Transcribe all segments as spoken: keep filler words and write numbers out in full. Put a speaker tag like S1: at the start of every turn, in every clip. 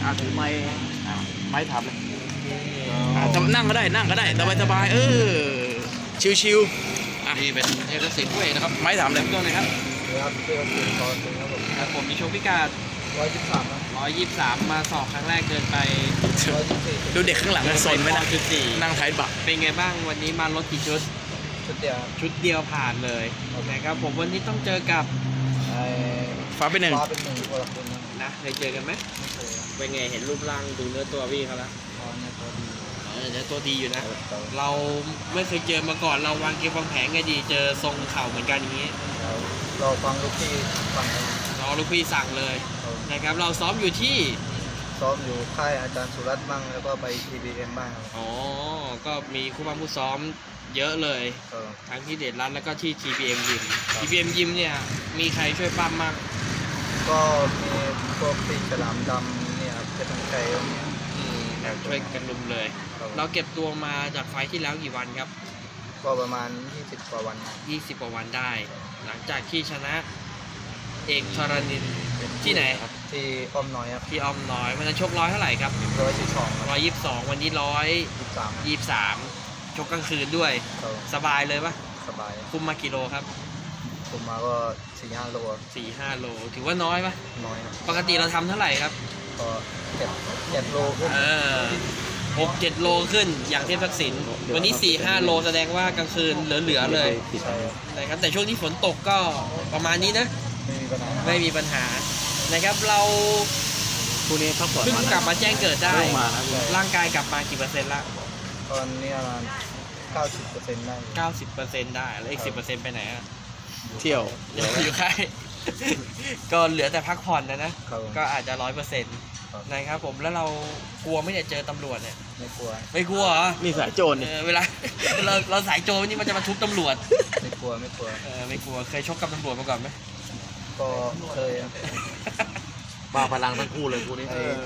S1: อาถือไม้ไม้ทำเลยนั่งก็ได้นั่งก็ได้สบายสบายเออชิวๆอ่ะนี่เป็นเทพศิลป์ด้วยนะครับไม้ทำเลยตัวไหนครับ
S2: ครับเทพศิลป์ตอนนึงครับผม
S3: ครับผมมีโชว์พิกัด
S2: ร้อยยี่สิบสาม
S3: ร้อยยี่สิบสามมาสอบครั้งแรกเกินไป
S1: ดูเด็กข้างหลังมันสนไหมนะ
S3: จุดสี่
S1: นั่งท้ายบัก
S3: เป็นไงบ้างวันนี้มารถกี่ชุด
S2: ชุดเดียว
S3: ชุดเดียวผ่านเลยนะครับผมวันนี้ต้องเจอกับ
S1: ฟ้าเป็นหนึ่ง
S2: ฟ้าเป็นหนึ่งคนละคน
S3: นะเคยเจอกันไหมเป็นไงเห็นรูปร่างดูเนื้อตัวพี่เขาแล้วเนื้อตัวดีอยู่นะเราไม่เคยเจอมาก่อนเราวางเกมวางแผนไงดีเจอทรงเข่าเหมือนกันอย่างนี้
S2: เราฟังลูกพี่ฟัง
S3: รอลูกพี่สั่งเลยนะครับเราซ้อมอยู่ที่
S2: ซ้อมอยู่ค่ายอาจารย์สุรัตน์บ้างแล้วก็ไป ที บี เอ็ม บ้าง
S3: อ๋อก็มีคู่บ้างคู่ซ้อมเยอะเลยทั้งที่เดชรัตน์แล้วก็ที่ ที บี เอ็ม ยิม ที บี เอ็ม ยิมเนี่ยมีใครช่วยปั้มมาก
S2: ก็มีพวกปีฉลามดำเนี่ยเพชรทั้งใจ
S3: ช่วยกันรุมเลยเราเก็บตัวมาจากไฟที่แล้วกี่วันครับ
S2: ก็ประมาณยี่สิบกว่าวัน
S3: ยี่สิบกว่าวันได้หลังจากที่ชนะเอกธรณินที่ไหนครับ
S2: ที่อ้อมน้อยครับ
S3: ที่อ้อมน้อยมันจะชกร้อยเท่าไหร่ครับ
S2: ร้อยยี่สิบสอง
S3: ร้อยยี่สิบสองวันนี้ร้อย
S2: ยี่สิบสาม
S3: ยี่สิบสามชกกลางคืนด้วยสบายเลยปะ
S2: สบาย
S3: คุมมากี่โลครับ
S2: คุมมาก็สี่ห้าโล
S3: สี่ห้าโลถือว่าน้อยปะ
S2: น้อยครับ
S3: ปกติเราทำเท่าไหร่ครับ
S2: ก็เจ็ดเจ็ดโลขึ้น
S3: เออหกเจ็ดโลขึ้นอย่างเทพทักษิณวันนี้สี่ห้าโลแสดงว่ากลางคืนเหลือๆเลยนะครับแต่ช่วงที่ฝนตกก็ประมาณนี้นะไม่มีปัญหานะครับเรา
S1: คู่นี้พักผ่อน
S3: เพิ่งกลับมาแจ้งเกิดได้ร่างกายกลับมากี่เปอร์เซ็นต์ละ
S2: ตอนนี้ประมาณเก้าสิบเปอร์เซ็นต์ได้
S3: เก้าสิบเปอร์เซ็นต์ได้แล้วอีกสิบเปอร์เซ็นต์ไปไหนอะ
S1: เที่ยว
S3: อยู่ค่ายก็เหลือแต่พักผ่อนนะนะก็อาจจะร้อยเปอร์เซ็นต์นะครับผมแล้วเรากลัวไม่ได้เจอตำรวจเนี่ย
S2: ไม่กลัว
S3: ไม่กลัวเหรอ
S1: นี่สายโจร
S3: เวลาเราเราสายโจรนี่มันจะมาทุบตำรวจ
S2: ไม่กลัวไม่กลัว
S3: เออไม่กลัวเคยชกกับตำรวจมาก่อนไหม
S2: ก็เคย
S1: บ้าพลังทั้งคู่เลยคู่นี้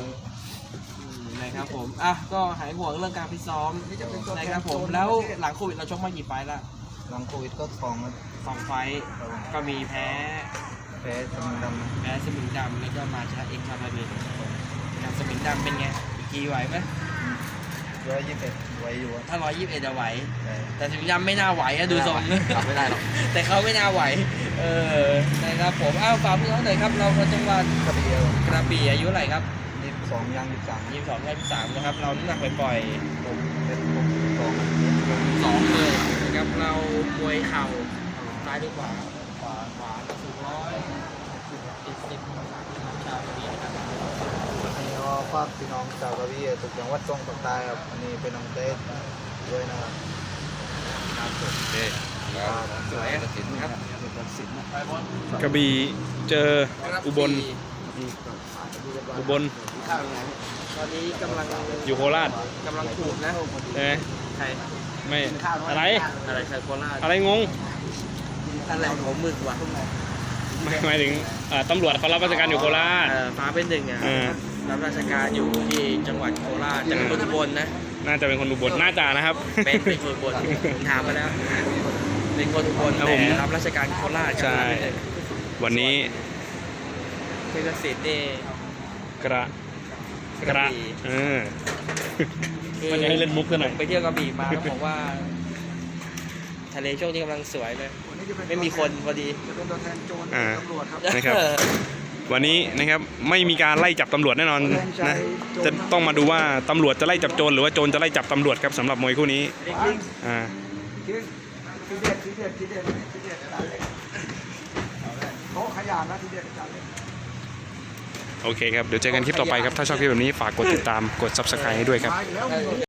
S3: นะครับผมอ่ะก็หายห่วงเรื่องการฟิตซ้อมนะครับผมแล้วหลังโควิดเราชกมากี่ไฟล์ละ
S2: หลังโควิดก็สอง
S3: สองไฟล์ก็มีแพ้
S2: แพ้สมิงดำ
S3: แพ้สมิงดำแล้วก็มาชนะเอกชาลาเบนสมิงดำเป็นไงอีกทีไหวไหม
S2: ร้อยยี่สิบเอ็ดไหวอยู่
S3: ถ้าร้อยยี่สิบเอ็ดจะไหวแต่สมิงดำไม่น่าไหวอะดูทรง
S1: ทำไม่ได้หรอก
S3: แต่เขาไม่น่าไหวเออนะครับผมอ้าวฝากพี่น้องหน่อยครับเราคนจังหวัด
S2: กระบี่
S3: กระบี่อายุเท่าไหร่ครับ
S2: ยี่สิบสองย่างยี่สิบสาม
S3: ยี่สิบสองย่างยี่สิบสามนะครับเราน้ำหนักไปปล่อย
S2: ผมเป็นสอง
S3: สองเลยนะครับเรามวยเข่าซ้ายหรือขวาขวาขวาสูงร้อยเจ็ดสิบชาวกระบี่นะครับ
S2: นี่ก็ฝากพี่น้องชาวกระบี่ทุกจังหวัดส่งต่างๆครับอันนี้เป็นน้องเต้ด้วยนะครับ
S3: สวยครับ
S1: กระบี่เจออุบลอุบล
S3: ตอนนี้กำลัง
S1: อยู่โคราช
S3: กำลังขูดนะ
S1: เอ๊ะ
S3: ใคร
S1: ไม่อะไร
S3: อะไรใครโคราช
S1: อะไรงง
S3: อะไรของมึงวะ
S1: ไม่หมายถึงตำรวจเขารับราชการอยู่โคราช
S3: ฟ้าเป็นหนึ่งอ่ะรับราชการอยู่ที่จังหวัดโคราชจะเป็นคนอุบลนะ
S1: น่าจะเป็นคนอุบลน่าจะนะครับ
S3: เป็นเป็นคนอุบลผมถามมาแล้วเป็นคนอุบลแต่รับราชการโคราช
S1: ใช่วันนี้
S3: เทศศิลป์นี่
S1: กระกระเออมันจะให้เล่นมุกกันหน่อย
S3: ไปเที่ยวกระบี่มาแล้วบอกว่าทะเลช่วงนี้กำลังสวยเลยไม่มีคนพอดี
S2: จะเป็นตัวแทนโจรตำรวจครับ
S1: นะครับวันนี้นะครับไม่มีการไล่จับตำรวจแน่นอนนะจะต้องมาดูว่าตำรวจจะไล่จับโจรหรือว่าโจรจะไล่จับตำรวจครับสำหรับมวยคู่นี้อ่า
S2: ทีเด็ดทีเด็ดทีเด็ดทีเด็ดเขาขยันนะทีเด็ด
S1: โอเคครับเดี๋ยวเจอกันคลิปต่อไปครับถ้าชอบคลิปแบบนี้ฝากกดติดตามกด ซับสไครบ์ ให้ด้วยครับ